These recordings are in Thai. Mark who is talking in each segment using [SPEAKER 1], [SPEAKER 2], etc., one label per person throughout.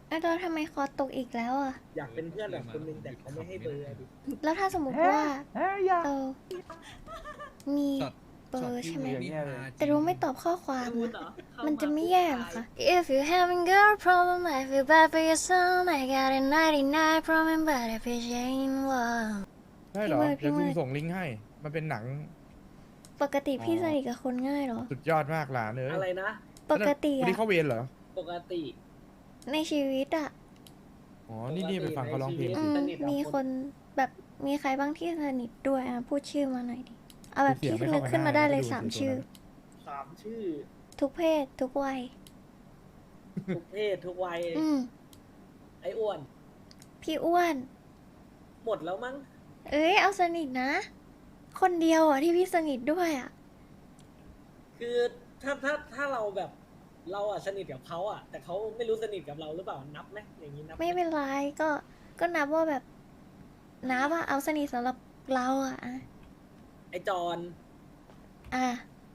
[SPEAKER 1] ไอ้ตอนทำไมคอตกอีกแล้วอ่ะ
[SPEAKER 2] อยากเป็นเพื่อนแบบคนนึงแต่เขาไม่ให้เบอร์อะดิ
[SPEAKER 1] แล้วถ้าสมมติว่าเรามี
[SPEAKER 3] ช็อต
[SPEAKER 1] เบอร์
[SPEAKER 3] ที่
[SPEAKER 1] ใช่ไหม
[SPEAKER 3] นี่ฮาจริง
[SPEAKER 1] แต่รู้ไม่ตอบข้อความ
[SPEAKER 2] พูด
[SPEAKER 1] นะ
[SPEAKER 2] เหรอเข้า
[SPEAKER 1] มันจะ
[SPEAKER 2] า
[SPEAKER 1] ไม่แย่เหรอคะ If you having girl problem I feel bad for your son I got a 99 problem but if it ain't one
[SPEAKER 4] ใช่เหรอ
[SPEAKER 1] พี่
[SPEAKER 4] เดี๋ยว
[SPEAKER 1] มื
[SPEAKER 4] กู
[SPEAKER 1] ด
[SPEAKER 4] ส่งลิงก์ให้ มันเป็นหนัง
[SPEAKER 1] ปกติ
[SPEAKER 4] อ๋อ
[SPEAKER 1] พี่สนิทกับคนง่ายเหรอ
[SPEAKER 4] สุดยอดมากหลานเอ้ย
[SPEAKER 2] อะไรนะ
[SPEAKER 1] ปกติ
[SPEAKER 4] วัน
[SPEAKER 1] อะ
[SPEAKER 4] นี้เข้าเวรเหรอ
[SPEAKER 2] ปกติ
[SPEAKER 1] ในชีวิตอะ
[SPEAKER 4] อ๋อ นี่ไปฟังเขาร้องเพลง
[SPEAKER 1] อื
[SPEAKER 4] สิ
[SPEAKER 1] ม
[SPEAKER 2] สนิทกับ
[SPEAKER 1] มี
[SPEAKER 2] ค
[SPEAKER 1] คน นแบบมีใครบ้างที่สนิทด้วยอ่ะพูดชื่อมาหน่อยดิ เอาแบบ
[SPEAKER 4] เสีย
[SPEAKER 1] ที่
[SPEAKER 4] งไม่
[SPEAKER 1] นึ
[SPEAKER 4] เข้าก กัน
[SPEAKER 1] ขึ้นมา
[SPEAKER 4] ได้
[SPEAKER 1] ได้เลย
[SPEAKER 4] ดู
[SPEAKER 1] สาม
[SPEAKER 4] สิ
[SPEAKER 1] ชื่อ
[SPEAKER 4] ตัวนั้น
[SPEAKER 2] 3 ชื่อ
[SPEAKER 1] ทุกเพศ ทุกวัย
[SPEAKER 2] ทุกเพศทุกวัย
[SPEAKER 1] อืม
[SPEAKER 2] ไอ้อ้วน
[SPEAKER 1] พี่อ้วน
[SPEAKER 2] หมดแล้วมั้ง
[SPEAKER 1] เอ้ยเอาสนิทนะ คนเดียวอ่ะที่พี่สนิทด้วยอ่ะ
[SPEAKER 2] คือถ้าเราแบบเราอะสนิทกับเขาอะแต่เขาไม่รู้สนิทกับเราหรือเปล่านับไหมอย่างนี้นับห
[SPEAKER 1] ไม่เป็นไรก็นับว่าแบบนับว่าเอาสนิทสำหรับเราอ่ะ
[SPEAKER 2] ไอ้จอน
[SPEAKER 1] อ่ะ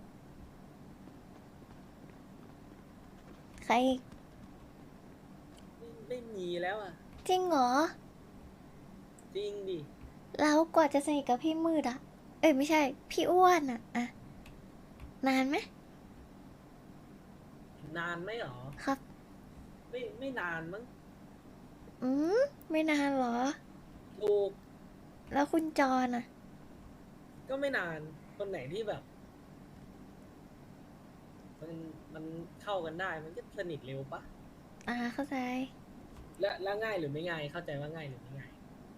[SPEAKER 1] ใครอีก
[SPEAKER 2] ไม่มีแล้วอะ
[SPEAKER 1] จริงเหรอ
[SPEAKER 2] จริงดิ
[SPEAKER 1] แล้วกว่าจะสนิทกับพี่มืดอ่ะ เอ้ยไม่ใช่ พี่อ้วนอ่ะอ่ะนานไหม
[SPEAKER 2] นานไหมหรอ
[SPEAKER 1] ครับ
[SPEAKER 2] ไม่นานมั้ง
[SPEAKER 1] อืมไม่นานเหรอ
[SPEAKER 2] ถูก
[SPEAKER 1] แล้วคุณจรอ่ะ
[SPEAKER 2] ก็ไม่นานคนไหนที่แบบ มันเข้ากันได้มันก็สนิทเร็วปะ
[SPEAKER 1] เข้าใจ
[SPEAKER 2] และง่ายหรือไม่ง่าย เข้าใจว่าง่ายหรือไม่ง่าย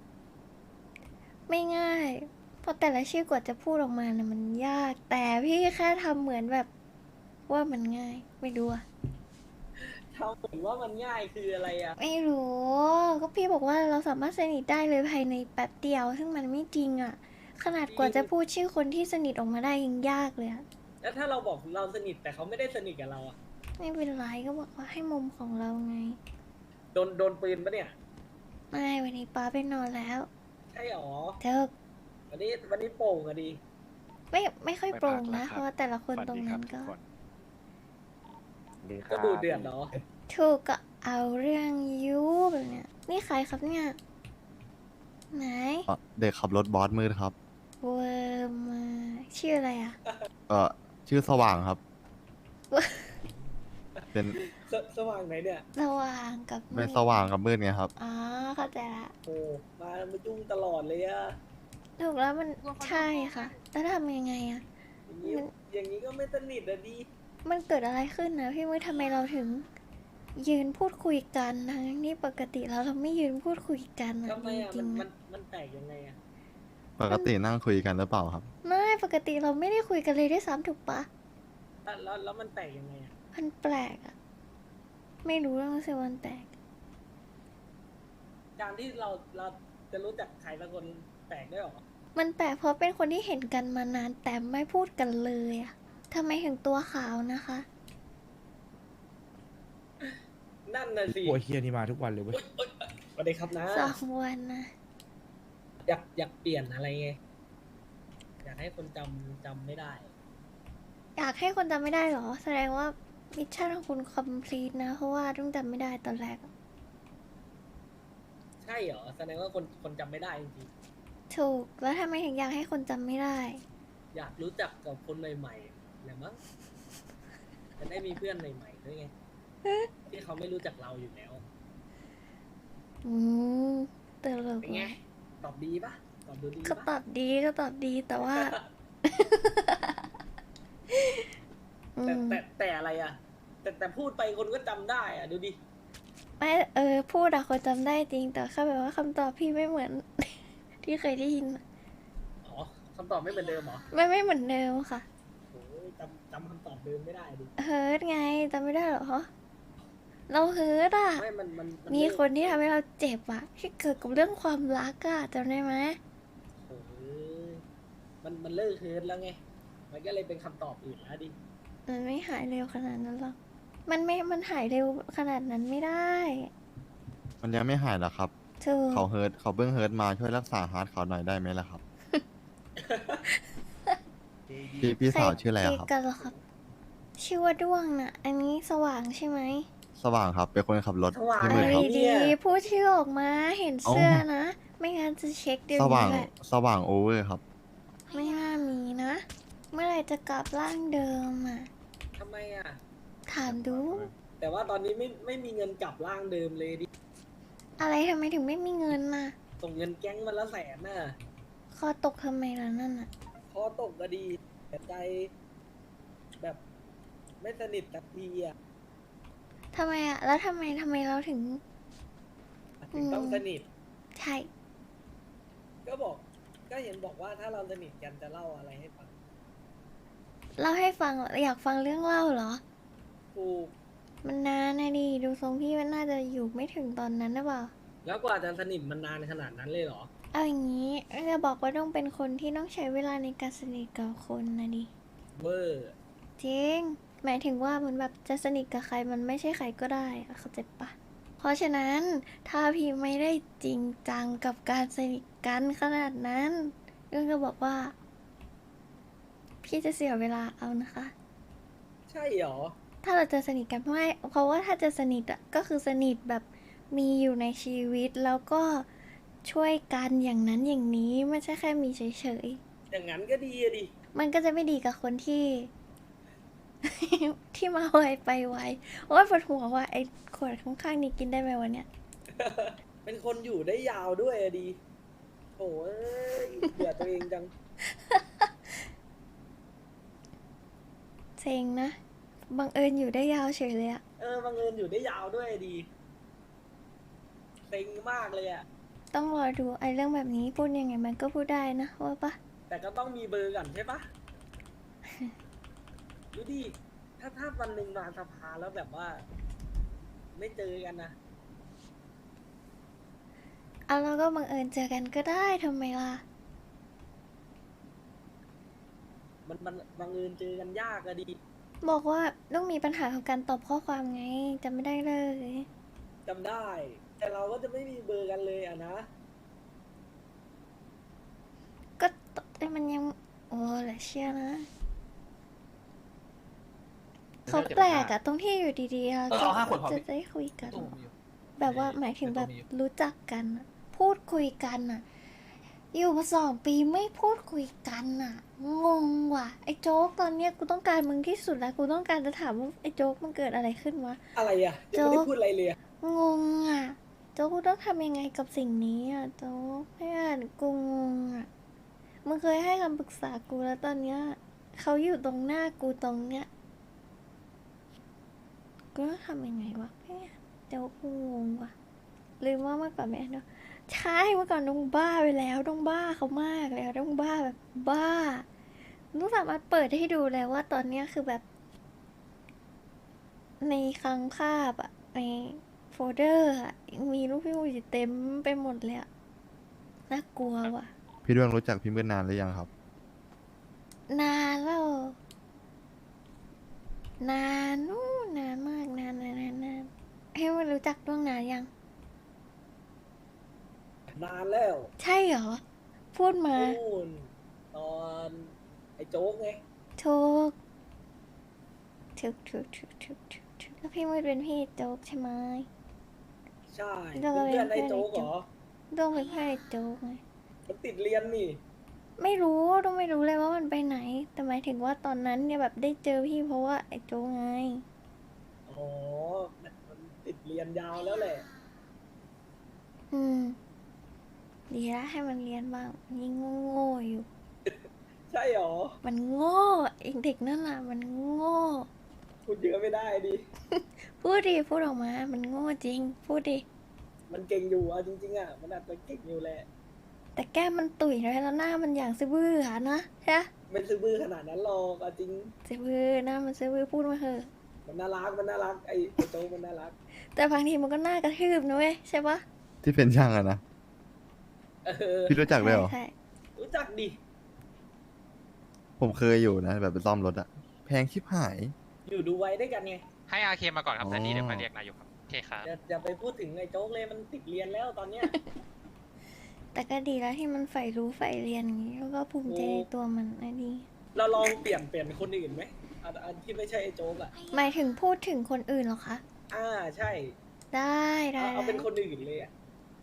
[SPEAKER 1] ไม่ง่าย เพราะแต่ละชื่อกว่าจะพูดออกมานะมันยาก แต่พี่แค่ทำเหมือนแบบว่ามันง่าย ไม่รู้อะ
[SPEAKER 2] เท่าเหมือนว่ามันง่ายคืออะไรอะ
[SPEAKER 1] ไม่รู้ ก็พี่บอกว่าเราสามารถสนิทได้เลยภายในแป๊บเดียว ซึ่งมันไม่จริงอะขนาดกว่าจะพูดชื่อคนที่สนิทออกมาได้ยังยากเลยอะ
[SPEAKER 2] แล้วถ้าเราบอกเราสนิทแต่เขาไม่ได้สนิทกับเราอะ
[SPEAKER 1] ไม่เป็นไรก็บอกว่าให้มุมของเราไง
[SPEAKER 2] โดนปืนปะเนี่ย
[SPEAKER 1] ไม่วันนี้ป้าไปนอนแล้ว
[SPEAKER 2] ใช่หรอ
[SPEAKER 1] เธอ
[SPEAKER 2] วันนี้โป่งอะดี
[SPEAKER 1] ไม่ค่อยโปร่งนะ เพราะว่าแต่ละคนตรงนั้นก็
[SPEAKER 2] ก็ดูเดือดเหรอ
[SPEAKER 1] ถูกก็เอาเรื่องยูแบบเนี้ยนี่ใครครับเนี่ยไหน
[SPEAKER 5] เด็กขับรถบอสมืดครับ
[SPEAKER 1] เวอร์มาชื่ออะไรอ่ะ
[SPEAKER 5] ก็ชื่อสว่างครับ เป็น
[SPEAKER 2] สว่างไหนเนี่ย
[SPEAKER 1] สว่างกับ
[SPEAKER 5] เป็น
[SPEAKER 1] มืด
[SPEAKER 5] สว่างกับมืดไงครับ
[SPEAKER 1] อ๋อเข้าใจละ
[SPEAKER 2] โอ้มายุ่งตลอดเลยอะ
[SPEAKER 1] ถูกแล้วมันใช่ค่ะ แล้วทำยังไงอ่ะ
[SPEAKER 2] อย่างนี้
[SPEAKER 1] มัน
[SPEAKER 2] อย่างนี้ก็ไม่สนิทอะดี
[SPEAKER 1] มันเกิดอะไรขึ้นนะพี่มืดทำไมเราถึง ยืนพูดคุยกันทั้งที่ปกติแล้วเราไม่ยืนพูดคุยกันอะ
[SPEAKER 2] ทำไมอะ
[SPEAKER 1] จริงๆ
[SPEAKER 2] มั
[SPEAKER 1] อะ
[SPEAKER 2] นแปลกยังไงอะ
[SPEAKER 5] ปกตินั่งคุยกันหรือเปล่าครับ
[SPEAKER 1] ไม่ปกติเราไม่ได้คุยกันเลยด้วยซ้ำถูกปะ
[SPEAKER 2] แล้วมันแปลกยังไงอะ
[SPEAKER 1] มันแปลกอ่ะ ไม่รู้เรื่องสิวันแปลก
[SPEAKER 2] การที่เราจะรู้จักใครสักคนแปลกได้วยเหรอ
[SPEAKER 1] มันแปลกเพราะเป็นคนที่เห็นกันมานานแต่ไม่พูดกันเลยอะทำไมถึงตัวขาวนะคะ
[SPEAKER 2] นั่นน่ะสิ
[SPEAKER 4] หัวเฮียนี่มาทุกวันเลยเว้ย
[SPEAKER 2] สวัสดีครับนะ
[SPEAKER 1] 2 วันนะ
[SPEAKER 2] อยากเปลี่ยนอะไรไง อยากให้คนจำไม่ได้
[SPEAKER 1] อยากให้คนจำไม่ได้เหรอ แสดงว่ามิชชั่นของคุณคอมพลีทนะ เพราะว่าต้องจำไม่ได้ตอนแรกอะ
[SPEAKER 2] ใช่เหรอ แสดงว่าคนจำไม่ได้จริง
[SPEAKER 1] ถูก แล้วทำไมถึงอยากให้คนจำไม่ได้
[SPEAKER 2] ๆอยากรู้จักกับคนใหม่ๆแหละมั้งจะได้มีเพื่อนใหม่ๆด้วยไง ที่เขาไม่รู้จักเราอยู่แล้ว
[SPEAKER 1] อืมตลก
[SPEAKER 2] เป็นไง
[SPEAKER 1] ว่ะ
[SPEAKER 2] ตอบดีปะตอบดูดี
[SPEAKER 1] ก็ต
[SPEAKER 2] ปะ
[SPEAKER 1] อบดีก็ตอบดีแต่ว่า อืม
[SPEAKER 2] แต่อะไรอะแต่พูดไปคนก็จำได้อะดูดิ
[SPEAKER 1] ไม่พูดอะคนจำได้จริง แต่แค่แบบว่าคำตอบพี่ไม่เหมือน ที่เคยได้ยินอะ
[SPEAKER 2] อ๋อคำตอบไม่เหมือนเดิมเหรอ
[SPEAKER 1] ไม่เหมือนเดิมค่ะ
[SPEAKER 2] โอ้ยจำคำตอบเดิมไม่ได้ดิ
[SPEAKER 1] เฮิร์ตไงจำไม่ได้เหรอ เราเฮิร์ตอะ
[SPEAKER 2] ไม่มัน
[SPEAKER 1] มี
[SPEAKER 2] เลิก
[SPEAKER 1] คนที่ทำให้เราเจ็บอะที่เกิดกับเรื่องความรักอะจำได้ไหม
[SPEAKER 2] โอ้ยมันเลิกเฮิร์ตแล้วไง มันก็เลยเป็นคำตอบอื่นแล้วดิ
[SPEAKER 1] มันไม่หายเร็วขนาดนั้นหรอกมันหายเร็วขนาดนั้นไม่ได้
[SPEAKER 5] มันยังไม่หายหรอครับ
[SPEAKER 1] ถูก
[SPEAKER 5] เขาเพิ่งเฮิร์ตมาช่วยรักษาฮาร์ดเขาหน่อยได้ไหมล่ะครับ พี่สาวชื่ออะไรอะครับ
[SPEAKER 1] ใกันเหรอครับ ชื่อว่าด้วงน่ะ อันนี้สว่างใช่ไหม
[SPEAKER 5] สว่างครับ เป็นคนขับรถ
[SPEAKER 2] สว่าง
[SPEAKER 5] พี่
[SPEAKER 1] อะ
[SPEAKER 5] มื
[SPEAKER 1] ไร
[SPEAKER 5] ดครับ
[SPEAKER 1] ดีๆพูดชื่อออกมาเห็นเสื้อนะ ไม่งั้นจะเช็คเดี๋ยว
[SPEAKER 5] สว่า
[SPEAKER 1] นี้
[SPEAKER 5] ง
[SPEAKER 1] แหละ
[SPEAKER 5] สว่างโอเวอร์ครับ
[SPEAKER 1] ไม่น่ามีนะ เมื่อไหร่จะกลับร่างเดิมอ่ะ
[SPEAKER 2] ทำไมอ่ะ
[SPEAKER 1] ถามดู
[SPEAKER 2] แต่ว่าตอนนี้ไม่มีเงินกลับร่างเดิมเลยดิ
[SPEAKER 1] อะไรทำไมถึงไม่มีเงินน่ะ
[SPEAKER 2] ส่งเงินแก๊งวันละ100,000น่ะ
[SPEAKER 1] คอตกทำไมล่ะนั่นน่ะ
[SPEAKER 2] พอตกก็ดีแต่ใจแบบไม่สนิทกับทีอ่ะ
[SPEAKER 1] ทำไมอ่ะ แล้วทำไมเราถึง
[SPEAKER 2] ถึงต้องสนิท
[SPEAKER 1] ใช่
[SPEAKER 2] ก็บอก ก็เห็นบอกว่าถ้าเราสนิทกันจะเล่าอะไรให้ฟัง
[SPEAKER 1] เล่าให้ฟังเหรออยากฟังเรื่องเล่าเหรอ
[SPEAKER 2] ถูก
[SPEAKER 1] มันนานนะดิดูทรงพี่มันน่าจะอยู่ไม่ถึงตอนนั้นนะเปล่า
[SPEAKER 2] แล้วกว่าจะสนิทมันนานขนาดนั้นเลยเหรอ
[SPEAKER 1] เอาอย่างนี้จะบอกว่าต้องเป็นคนที่ต้องใช้เวลาในการสนิทกับคนนะดิ
[SPEAKER 2] เวอร์
[SPEAKER 1] จริง หมายถึงว่ามันแบบจะสนิทกับใครมันไม่ใช่ใครก็ได้อะเข้าใจปะเพราะฉะนั้นถ้าพี่ไม่ได้จริงจังกับการสนิทกันขนาดนั้นเรื่องก็บอกว่า พี่จะเสียเวลาเอานะคะ
[SPEAKER 2] ใช่เหรอ
[SPEAKER 1] ถ้าเราจะสนิทกันไม่เพราะว่าถ้าจะสนิทอ่ะก็คือสนิทแบบมีอยู่ในชีวิตแล้วก็ช่วยกันอย่างนั้นอย่างนี้ไม่ใช่แค่มีเฉย
[SPEAKER 2] อย่างนั้นก็ดีอะดิ
[SPEAKER 1] ๆมันก็จะไม่ดีกับคนที่ ที่มาไวไปไวโอ้ยปวดหัวว่าไอ้ขวดข้างๆนี้กินได้ไหมวันเนี้ย
[SPEAKER 2] เป็นคนอยู่ได้ยาวด้วยอะดีโอ้ยเบื่อตัวเองจัง
[SPEAKER 1] เซ็งนะบังเอิญอยู่ได้ยาวเฉยเลยอะ
[SPEAKER 2] บังเอิญอยู่ได้ยาวด้วยอะดีเซ็งมากเลยอะ
[SPEAKER 1] ต้องรอดูไอ้เรื่องแบบนี้พูดยังไงมันก็พูดได้นะว่าปะ
[SPEAKER 2] แต่ก็ต้องมีเบอร์ก่อนใช่ปะ ดูดิ ถ้าวันหนึ่งมาสภาแล้วแบบว่า ไม่เจอกันนะ
[SPEAKER 1] เอาเราก็บังเอิญเจอกันก็ได้ทำไมล่ะ
[SPEAKER 2] มันบังเอิญเจอกันยากอะดี
[SPEAKER 1] บอกว่าต้องมีปัญหาของการตอบข้อความไงจำไม่ได้เลย
[SPEAKER 2] จำได้ แต่เราก็จะไม่มีเบอร์กันเลยอะนะ
[SPEAKER 1] ก็แต่มันยังโอ้เหลือเชื่อนะเขาแปลกอะตรงที่อยู่ดีๆเรา
[SPEAKER 3] เอา5 ขวดพอ
[SPEAKER 1] จะ
[SPEAKER 3] พี่
[SPEAKER 1] ได้คุยกัน
[SPEAKER 3] ตู้มีอยู่
[SPEAKER 1] แบบว่าหมายถึงแบบ
[SPEAKER 3] ตู้มีอยู่
[SPEAKER 1] รู้จักกันอะพูดคุยกันอะอยู่มา2 ปีไม่พูดคุยกันอะงงว่ะไอ้โจ๊กตอนเนี้ยกูต้องการมึงที่สุดแล้วกูต้องการจะถามว่าไอ้โจ๊กมันเกิดอะไรขึ้นวะ
[SPEAKER 2] อะไรอะยังไม่ได้พูดอะไรเลยอะ
[SPEAKER 1] งงอ่ะโจ๊กกูต้องทำยังไงกับสิ่งนี้อ่ะโจ๊กเพื่อนกูงงอ่ะมึงเคยให้คำปรึกษากูแล้วตอนเนี้ยเขาอยู่ตรงหน้ากูตรงเนี้ยกูต้องทำยังไงวะเพื่อนโจ๊กกูงงว่ะลืมว่าเมื่อก่อนแม่เนาะใช่เมื่อก่อนต้องบ้าไปแล้วต้องบ้าเขามากแล้วต้องบ้าแบบบ้าต้องสามารถเปิดให้ดูแล้วว่าตอนเนี้ยคือแบบ ในคลังภาพอะในโฟลเดอร์อะมีรูปพี่มูจิเต็มไปหมดเลยอะน่ากลัวว่ะ
[SPEAKER 5] พี่ด้วงรู้จักพี่มืดนานหรือยังครับ
[SPEAKER 1] นานแล้วนานนู่นนานมากนานให้มันรู้จักล่วงนานยัง
[SPEAKER 2] นานแล้ว
[SPEAKER 1] ใช่เหรอ พูดมา
[SPEAKER 2] นู่นตอนไอ้โจ๊กไง
[SPEAKER 1] ถูกแล้วพี่มืดเป็นพี่โจ๊กใช่ไหม
[SPEAKER 2] ใช่
[SPEAKER 1] เรา
[SPEAKER 2] เพื่อน
[SPEAKER 1] เป็น
[SPEAKER 2] ไอ้โจ๊ก
[SPEAKER 1] เพื่อนไอ้โจ๊ก
[SPEAKER 2] เหรอ
[SPEAKER 1] ต้องเป็นพี่โจ๊กไง
[SPEAKER 2] มันติดเรียนนี่
[SPEAKER 1] ไม่รู้ต้องไม่รู้เลยว่ามันไปไหน แต่หมายถึงว่าตอนนั้นเนี่ยแบบได้เจอพี่เพราะว่าไอ้โจ๊กไง
[SPEAKER 2] อ๋อ มันติดเรียนยาวแล้วแหละ
[SPEAKER 1] อืม ดีละให้มันเรียนบ้างมันยิ่งโง่ๆอยู่
[SPEAKER 2] ใช่เหรอ
[SPEAKER 1] มันโง่ไอ้เด็กนั่นน่ะมันโง่
[SPEAKER 2] พูดเยอะไม่ได้ดิ
[SPEAKER 1] พูดดิพูดออกมา มันโง่จริง พูดดิ
[SPEAKER 2] มันเก่งอยู่อ่ะจริงๆอ่ะ มันอาจจะเก่งอยู่แหละ
[SPEAKER 1] แต่แก้มมันตุ๋ยเลยแล้วหน้ามันอย่างซื้อบื้ออะนะใช่ปะ
[SPEAKER 2] ไม่ซื้อบื้อขนาดนั้นหรอกเอาจริง
[SPEAKER 1] ซื้อบื้อหน้ามันซื้อบื้อพูดมาเถอะ
[SPEAKER 2] มันน่ารัก ไอ้โจ๊กมันน่ารัก
[SPEAKER 1] แต่บางทีมันก็หน้ากระทืบนะเว้ยใช่ปะ
[SPEAKER 5] ที่เป็นช่างอะนะ
[SPEAKER 2] เออ
[SPEAKER 5] พี่รู้จักด้วยเหรอ
[SPEAKER 1] ใช่
[SPEAKER 2] รู้จักดิ
[SPEAKER 5] ผมเคยอยู่นะ แบบไปซ่อมรถอะแพงชิบหาย
[SPEAKER 2] อยู่ดูไว้ด้วยกันไง
[SPEAKER 6] ให้อาเคมาก่อนครับ
[SPEAKER 5] อ๋อ
[SPEAKER 6] แต่นี้เดี๋ยวมาเรียกนายกครับ โอเคครับ
[SPEAKER 2] อย่าไปพูดถึงไอ้โจ๊กเลยมันติดเรียนแล้วตอนเนี้ย
[SPEAKER 1] แต่ก็ดีแล้วที่มันใฝ่รู้ใฝ่เรียนอย่างนี้แล้วก็ภูมิใจในตัวมันไอ้ดี
[SPEAKER 2] เราลองเปลี่ยนคนอื่นไหมอันที่ไม่ใช่ไอ้โจ๊กอ่ะ
[SPEAKER 1] หมายถึงพูดถึงคนอื่นเหรอคะ
[SPEAKER 2] ใช่
[SPEAKER 1] ได้ได้
[SPEAKER 2] เอาเป็น
[SPEAKER 1] ได้
[SPEAKER 2] คนอื่นเลยอ่ะ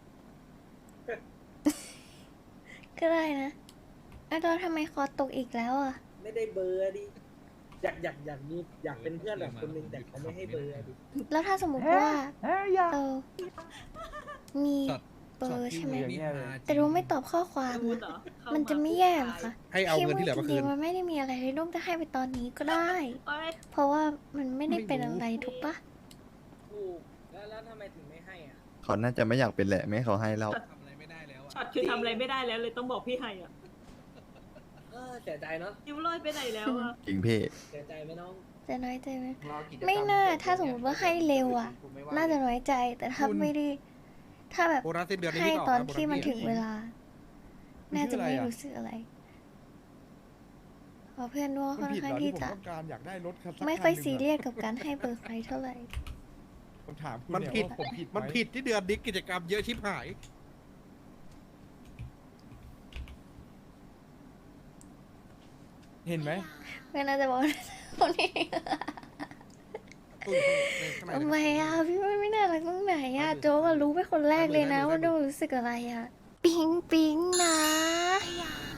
[SPEAKER 1] ก็ได้นะไอ้ตอนทำไมคอตกอีกแล้วอ่ะ
[SPEAKER 2] ไม่ได้เบอร์ดิอยากเป็นเพื่อนแบบคนหนึงแต่เขาไม่ให้เบอร์ดิ
[SPEAKER 1] แล้วถ้าสมมติว่าเรามีเบอร์ใช่ไหมแต่เราไม่ตอบข้อความอะมันจะไม่แย่เหรอคะ
[SPEAKER 3] ให้เอาเงินที่เหลือมา
[SPEAKER 1] จ
[SPEAKER 3] คื
[SPEAKER 1] ริ
[SPEAKER 3] น
[SPEAKER 1] งๆมันไม่ได้มีอะไรเลยต้องจะให้ไปตอนนี้ก็ได้ เพราะว่ามันไม่ได้เป็นอะไรถูกปะ
[SPEAKER 2] ถูกแล้วทำไมถึงไม่ให้อ่ะ
[SPEAKER 5] เขาน่าจะไม่อยากเป็นแหละไม่ให้เขาให้แล้ว
[SPEAKER 3] ทำอะไรไม่ได้แล้วอะ
[SPEAKER 7] ช็อตคือทำอะไรไม่ได้แล้วเลยต้องบอกพี่ไฮอ่ะ
[SPEAKER 2] เสียใจเนาะ
[SPEAKER 7] นิ้วลอยไปไหนแล้วอ่ะ
[SPEAKER 5] จริงพี่
[SPEAKER 2] เสียใจไหมน้อง
[SPEAKER 1] จะน้อยใจไหมไม่น่าถ้าสมมติว่าให้เร็วอ่ะ น่าจะน้อยใจแต่ถ้าไม่ได้ ถ้าแบบ
[SPEAKER 3] โบนัสสิ้นเดือนนี้
[SPEAKER 1] ให้
[SPEAKER 3] พี่
[SPEAKER 1] ตอน
[SPEAKER 3] กะ
[SPEAKER 1] ที่มันถึงเวลา
[SPEAKER 4] มัน
[SPEAKER 1] น่า
[SPEAKER 4] ชื่
[SPEAKER 1] จะ
[SPEAKER 4] ออะไร
[SPEAKER 1] ไม่
[SPEAKER 4] อะ
[SPEAKER 1] รู้สึกอะไรเพราะเพื่อนว่า
[SPEAKER 4] มั
[SPEAKER 1] ค่อน
[SPEAKER 4] ผิด
[SPEAKER 1] ข้า
[SPEAKER 4] เห
[SPEAKER 1] ง
[SPEAKER 4] รอ
[SPEAKER 1] ที่
[SPEAKER 4] ที่ผม
[SPEAKER 1] จะ
[SPEAKER 4] ต้องการอยากได้รถคันสัก
[SPEAKER 1] ไม่ค่อย
[SPEAKER 4] คันหนึ่งะ
[SPEAKER 1] ซีเรียสกับการให้เบอร์ใครเท่าไหร่
[SPEAKER 4] ผมถามคุณ
[SPEAKER 3] มัน
[SPEAKER 4] เนี่ย
[SPEAKER 3] ผิด
[SPEAKER 4] ว่าผมผิดไห
[SPEAKER 3] มันผิดที่เดือนนี้กิจกรรมเยอะชิบหาย
[SPEAKER 4] เห็นไหม
[SPEAKER 1] ไม่น่าจะบอกคนนี้
[SPEAKER 3] ตุ้ยข้างใน
[SPEAKER 1] ทำไมอ่ะพี่ไม่น่ารักตรงไหนอ่ะโจ๊กอะรู้เป็นคนแรกเลยนะว่าโดนรู้สึกอะไรอ่ะปิ๊งปิ๊งนะ